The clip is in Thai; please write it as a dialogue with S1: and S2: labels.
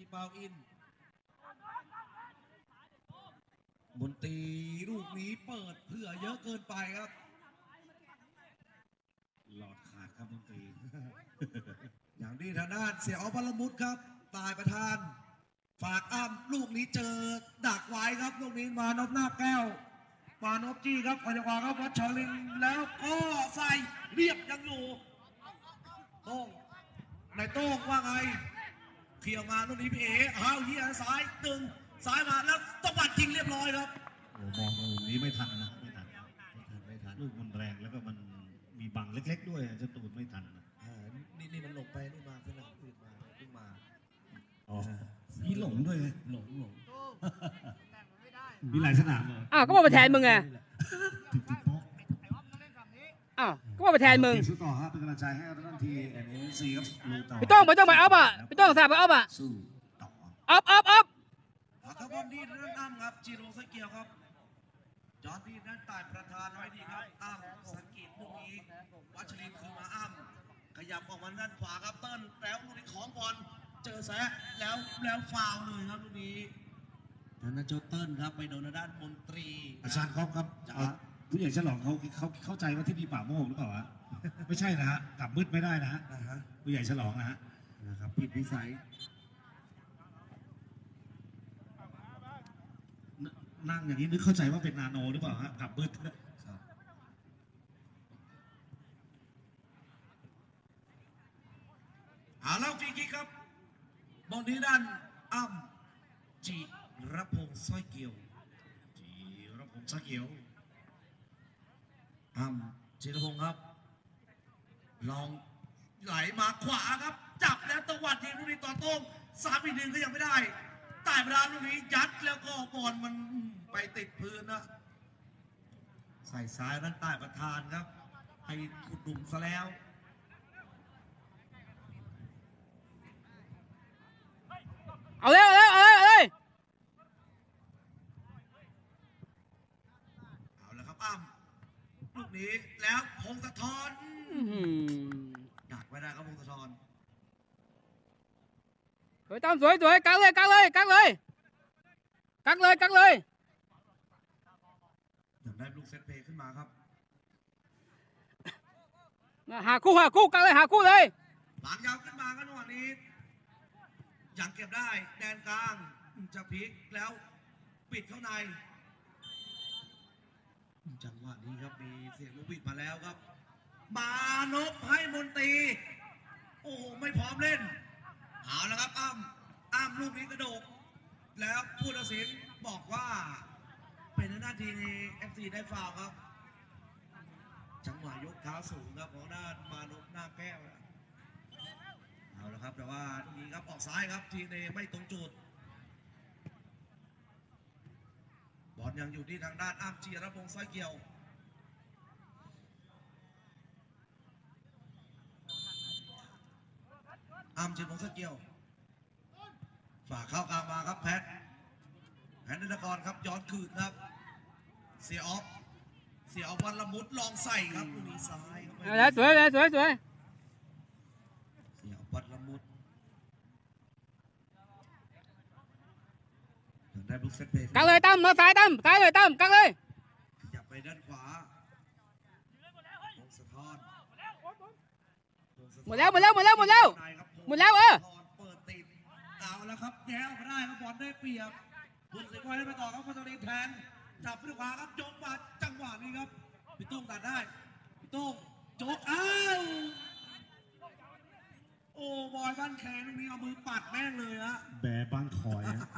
S1: เปาอินมนตรีลูกนี้เปิดเผื่อเยอะเกินไปครับหลอดขาดครับมนตรี อย่างนี้ทางด้านเสียอพลมุตครับตายประธานฝากอ้ำลูกนี้เจอดักไว้ครับลูกนี้มานพหน้าแก้วมานพจี้ครับขยับขวาครับวัชรินแล้วก็ใส่เรียบยังอยู่โต้งในโต้งว่าไงเขี่ยวมาลูกนี้พี่เอ๋อ้าวเฮียซ้ายตึงซ้ายมาแล้วตบัดยิงเรียบร้อยครับ
S2: โอ้มองตรงนี้ไม่ทันนะไม่ทันลูกมันแรงแล้วก็มันมีบังเล็กๆด้วยจะตูนไม่ทันนะ
S1: นี่มันหลงไปนี่มาสนามอื่นมาเพิ่งมา
S2: อ๋อมีหลงด้วย
S1: หลง
S2: มีหลายสนามเลย
S3: ก็มาแทนมึงไงก็มาแทนมึง
S2: สู้ต่อครับเป็นกำลังใจให้ท่านทีNCครับ
S3: พี่ต้องไปอัพพี่ต้องสาบไปอัพ
S2: สู้ต่อ
S3: อัพ
S1: ครับบอลดีนั่นอ้ำครับจิโร่สเกียวครับจอร์ดีนั่นตายประธานไว้ดีครับอ้ำสกิดลูกนี้วัชรินคือมาอ้ำขยับออกมาด้านขวาครับเติ้ลแล้วลูกนี้ของบอลเจอแซะแล้วฟาวเลยครับลูกนี้นั่นนะโจเติ้ลครับไปโดนด้านมนตรี
S2: อาจารย์ครับผู้ใหญ่ฉลองเขาเข้าใจว่าที่นี่ป่าโมกหรือเปล่าฮะไม่ใช่นะฮะกลับมืดไม่ได้นะฮะผู้ใหญ่ฉลองนะฮะ
S1: นะครับผิดวิสัย
S2: นั่งอย่างนี้นึกเข้าใจว่าเป็นนาโนหรือเปล่าฮะกลับมืด
S1: แล้วฟรีคิกครับบอลนี้ด้านอ้ำจิรพงษ์สร้อยเกี่ยวอ้ำจิรพงษ์ครับลองไหลมาขวาครับจับแล้วตวัดยิงลูกนี้ต่อโต้ง3-1ก็ยังไม่ได้ใต้เวลาลูกนี้ยัดแล้วก็บอลมันไปติดพื้นนะใส่ซ้ายด้านใต้ประธานครับให้ขุดหลุมซะแล้ว
S3: เอาเลย
S1: เอาแล้วครับอ้ำลูกนี้แล้วพงศธรดักไว้ได้ครับพงศธร
S3: สวยตามสวยกักเลยอยาก
S1: ได้ลูกเซตเพย์ขึ้นมาครับ
S3: หาคู่กักเลยหาคู่เลย
S1: หลังยาวขึ้นมาครับจังหวะนี้ยังเก็บได้แดนกลางจะพลิกแล้วปิดเข้าในจังหวะนี้ครับมีเสียงลูกบิดมาแล้วครับมานพให้มนตรีโอ้โหไม่พร้อมเล่นเอาแล้วครับอ้ำลูกนี้กระโดดแล้วผู้ตัดสินบอกว่าเป็นหน้าที่ใน FC ได้ฟาวครับจังหวะยกเท้าสูงครับของด้านมานพหน้าแก้วเอาละครับแต่ว่าทีครับออกซ้ายครับทีเนไม่ตรงจุดบอลยังอยู่ที่ทางด้านอ้ำจิรพงษ์สร้อยเกี่ยวอ้ำจิรพงษ์สร้อยเกี่ยวฝากเข้ากลางมาครับแพทนนทกรครับย้อนคืนครับเสียออฟวันละมุดลองใส่ครับลูกนี้ซ้าย
S3: แล้วสวย
S1: เสียออฟวันละมุดได้บุกเซตเพย์
S3: กักเลยตั้มมาซ้ายเลยตั้มกักเลย
S1: ขยับไปด้านขวาพงศธร
S3: หมดแล้วเปิดติด
S1: เอาแล้วครับแย่ออกมาได้ครับบอลได้เปรียบคุณสิงห์ไว้ไปต่อครับพัชรีแทงจับด้วยขวาครับยกมาจังหวะนี้ครับพี่ตุ้งตัดได้พี่ตุ้งจกโอ้บอยบ้านแขงตรงนี้เอามือปัดแม่งเลยฮะ
S2: แบบ้านคอย